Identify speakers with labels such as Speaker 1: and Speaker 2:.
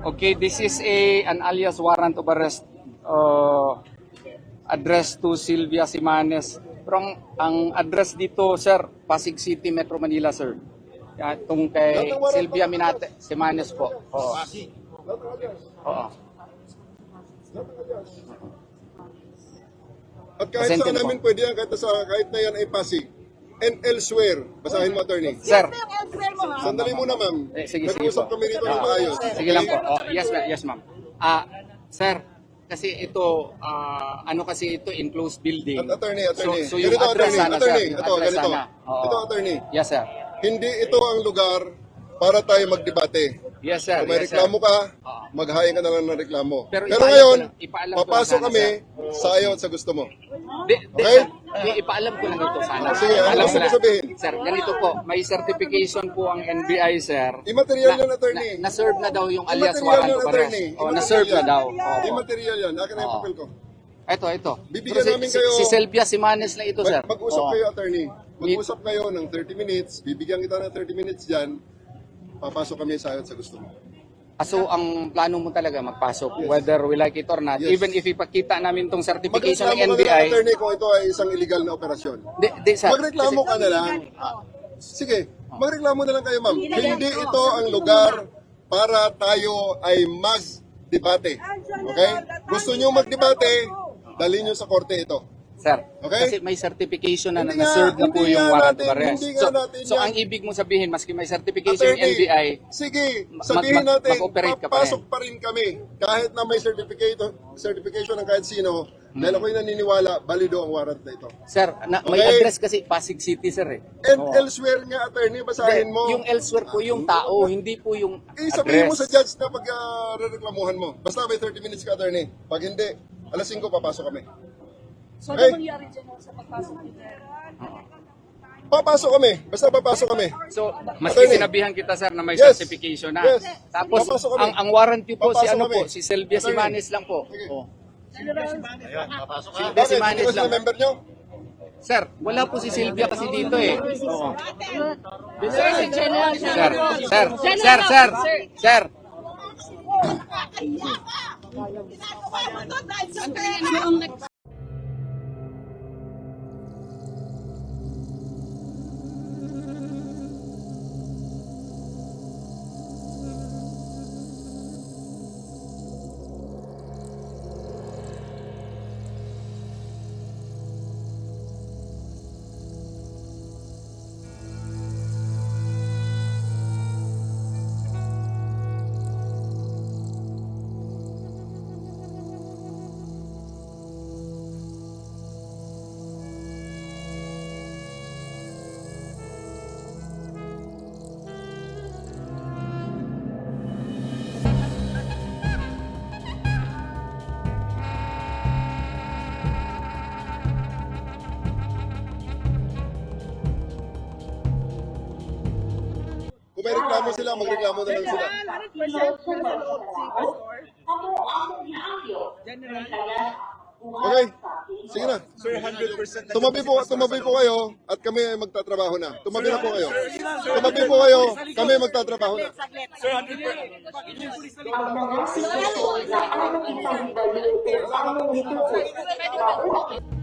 Speaker 1: Okay, this is an alias warrant of arrest addressed to Sylvia Simanes. Pero ang address dito, sir, Pasig City, Metro Manila, sir. Itong kay Sylvia Simanes po. Oo. Oo.
Speaker 2: At kahit saan namin pwede yan, kahit na yan ay Pasig. And elsewhere. Basahin mo, attorney.
Speaker 1: Sir.
Speaker 2: Sandali muna, ma'am.
Speaker 1: Sige
Speaker 2: Nag-uusap
Speaker 1: po.
Speaker 2: kami rito ng maayos.
Speaker 1: Sige lang po. Oh, yes, ma'am. Sir, kasi ito, ano kasi ito, enclosed building.
Speaker 2: At attorney.
Speaker 1: So yung
Speaker 2: Ganito,
Speaker 1: address sana, sir. Yung
Speaker 2: Ito,
Speaker 1: address
Speaker 2: ganito.
Speaker 1: sana. Oo.
Speaker 2: Ito, attorney.
Speaker 1: Yes, sir.
Speaker 2: Hindi ito ang lugar para tayo magdebate.
Speaker 1: Yes, sir.
Speaker 2: Kung may
Speaker 1: Yes, sir.
Speaker 2: reklamo ka,
Speaker 1: Oo.
Speaker 2: maghahain ka na lang ng reklamo.
Speaker 1: Pero
Speaker 2: Pero
Speaker 1: ipaalam
Speaker 2: ngayon,
Speaker 1: ko lang- ipaalam ko lang
Speaker 2: papasok
Speaker 1: sana,
Speaker 2: kami
Speaker 1: sir.
Speaker 2: sa ayaw at sa gusto mo.
Speaker 1: Okay? Ipaalam ko lang ito sana.
Speaker 2: Sige, ano
Speaker 1: Ipaalam
Speaker 2: gusto
Speaker 1: ko
Speaker 2: mo
Speaker 1: lang.
Speaker 2: sabihin?
Speaker 1: Sir, ganito po. May certification po ang NBI, sir.
Speaker 2: Immaterial yan, attorney.
Speaker 1: Na-serve na daw yung alias
Speaker 2: Immaterial
Speaker 1: warrant
Speaker 2: yan,
Speaker 1: of arrest.
Speaker 2: attorney.
Speaker 1: Na-serve na daw.
Speaker 2: Immaterial yan. Akin na yung papel ko.
Speaker 1: Ito.
Speaker 2: Bibigyan
Speaker 1: Pero
Speaker 2: namin kayo-
Speaker 1: si Sylvia Simanes na ito, sir.
Speaker 2: Mag-usap
Speaker 1: Oo.
Speaker 2: kayo, attorney. Mag-usap kayo ng 30 minutes. Bibigyan kita ng 30 minutes dyan. Papasok kami sa ayaw at sa gusto mo.
Speaker 1: So, ang plano mo talaga magpasok, whether we like it or not,
Speaker 2: Yes.
Speaker 1: even if ipakita namin itong certification
Speaker 2: Magreklamo
Speaker 1: ng
Speaker 2: ka na lang,
Speaker 1: NBI.
Speaker 2: attorney, kung ito ay isang illegal na operasyon.
Speaker 1: Sir.
Speaker 2: Magreklamo ka na lang. Sige, magreklamo na lang kayo, ma'am. Hindi ito ang lugar para tayo ay mag-debate. Okay? Gusto nyo mag-debate, dalhin nyo sa korte ito.
Speaker 1: Sir,
Speaker 2: Okay?
Speaker 1: kasi may certification na
Speaker 2: Hindi nga,
Speaker 1: na-serve na po
Speaker 2: hindi
Speaker 1: yung
Speaker 2: nga
Speaker 1: warrant
Speaker 2: natin-
Speaker 1: of arrest.
Speaker 2: hindi nga natin
Speaker 1: So
Speaker 2: yan.
Speaker 1: ang ibig mo sabihin, maski may certification yung
Speaker 2: Attorney,
Speaker 1: NBI,
Speaker 2: sige, sabihin natin,
Speaker 1: mag-operate ka pa rin.
Speaker 2: papasok pa rin kami. Kahit na may certification ng kahit sino, dahil ako'y naniniwala, balido ang warrant na ito.
Speaker 1: sir, may
Speaker 2: Okay.
Speaker 1: address kasi Pasig City, sir.
Speaker 2: And
Speaker 1: Oo.
Speaker 2: elsewhere nga, attorney, basahin mo.
Speaker 1: Yung elsewhere po yung tao, hindi po yung
Speaker 2: Sabihin mo sa
Speaker 1: address.
Speaker 2: judge na pag rereklamuhan mo. Basta may 30 minutes ka, attorney. Pag hindi, alas 5 papasok kami.
Speaker 3: So,
Speaker 2: Okay.
Speaker 3: ano mangyari dyan sa pagpasok nila?
Speaker 2: Papasok kami. Basta papasok kami.
Speaker 1: So, maski
Speaker 2: Attorney.
Speaker 1: sinabihan kita, sir, na may
Speaker 2: Yes.
Speaker 1: certification na.
Speaker 2: Yes.
Speaker 1: Tapos,
Speaker 2: Papasok kami.
Speaker 1: ang warranty po, si
Speaker 2: Papasok
Speaker 1: ano
Speaker 2: kami.
Speaker 1: po, si Sylvia
Speaker 2: Attorney.
Speaker 1: Simanes lang po.
Speaker 2: Sige.
Speaker 1: Oh.
Speaker 3: Sylvia
Speaker 1: Sylvia
Speaker 2: Bakit?
Speaker 1: Simanes
Speaker 2: Hindi ko
Speaker 1: lang.
Speaker 2: sila member nyo?
Speaker 1: Sir, wala po si Sylvia kasi dito eh. Oo.
Speaker 3: Sir, si General.
Speaker 1: Sir.
Speaker 2: Kung may reklamo sila, magreklamo na lang sila. Okay? Sige na. Tumabi po kayo at kami ay magtatrabaho na. Tumabi na po kayo. Tumabi po kayo, kami magtatrabaho na.
Speaker 4: Ang mga